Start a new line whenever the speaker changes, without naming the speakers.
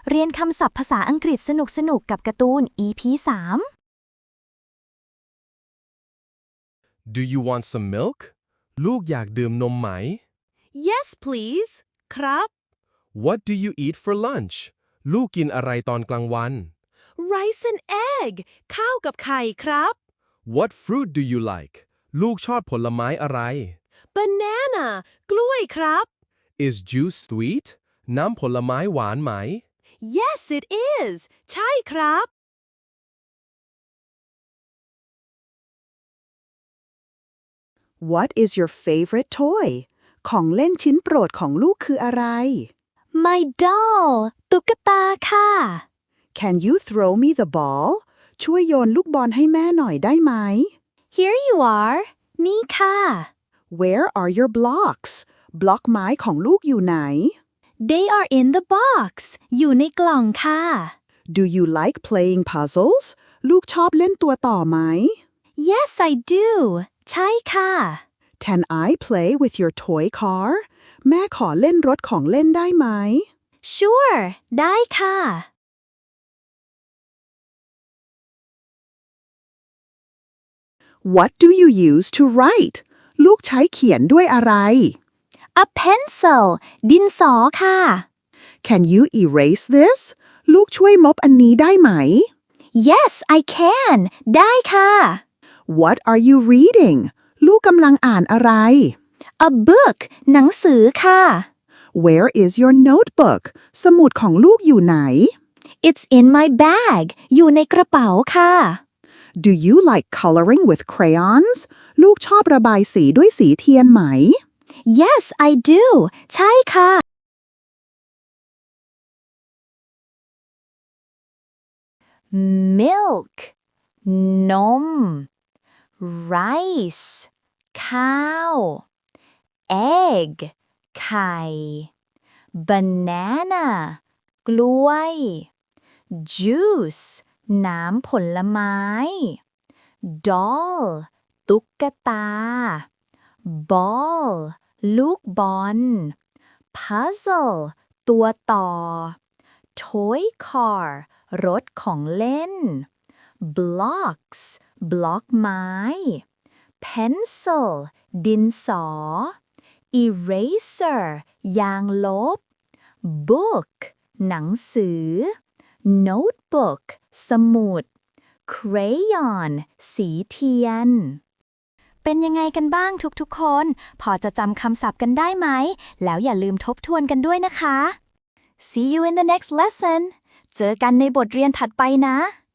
เรียนคำศัพท์ภาษาอังกฤษสนุกๆกับการ์ตูน EP 3
Do you want some milk ลูกอยากดื่มนมไหม
Yes please ครับ
What do you eat for lunch ลูกกินอะไรตอนกลางวัน
Rice and egg ข้าวกับไข่ครับ
What fruit do you like ลูกชอบผลไม้อะไร
Banana กล้วยครับ
Is juice sweet น้ำผลไม้หวานไหม
Yes it is ใช่ครับ
What is your favorite toy ของเล่นชิ้นโปรดของลูกคืออะไร
My doll ตุ๊กตาค่ะ
Can you throw me the ball ช่วยโยนลูกบอลให้แม่หน่อยได้ไหม
Here you are นี่ค่ะ
Where are your blocks บล็อกไม้ของลูกอยู่ไหน
They are in the box อยู่ในกล่องค่ะ
Do you like playing puzzles ลูกชอบเล่นตัวต่อไหม
Yes I do ใช่ค่ะ
Can I play with your toy car แม่ขอเล่นรถของเล่นได้ไหม
Sure ได้ค่ะ
What do you use to write ลูกใช้เขียนด้วยอะไร
A pencil ดินสอค่ะ
Can you erase this ลูกช่วยมบอันนี้ได้ไหม
Yes I can ได้ค่ะ
What are you reading ลูกกำลังอ่านอะไร
A book หนังสือค่ะ
Where is your notebook สมุดของลูกอยู่ไหน
It's in my bag อยู่ในกระเป๋าค่ะ
Do you like coloring with crayons ลูกชอบระบายสีด้วยสีเทียนไหม
Yes I do ใช่ค่ะ Milk นม Rice ข้าว Egg ไข่ Banana กล้วย Juice น้ำผลไม้ Doll ตุ๊กตา Ball ลูกบอล Puzzle ตัวต่อ Toy car รถของเล่น Blocks บล็อกไม้ Pencil ดินสอ Eraser ยางลบ Book หนังสือ Notebook สมุด Crayon สีเทียน เป็นยังไงกันบ้างทุกๆคน พอจะจำคำศัพท์กันได้ไหม แล้วอย่าลืมทบทวนกันด้วยนะคะ See you in the next lesson เจอกันในบทเรียนถัดไปนะ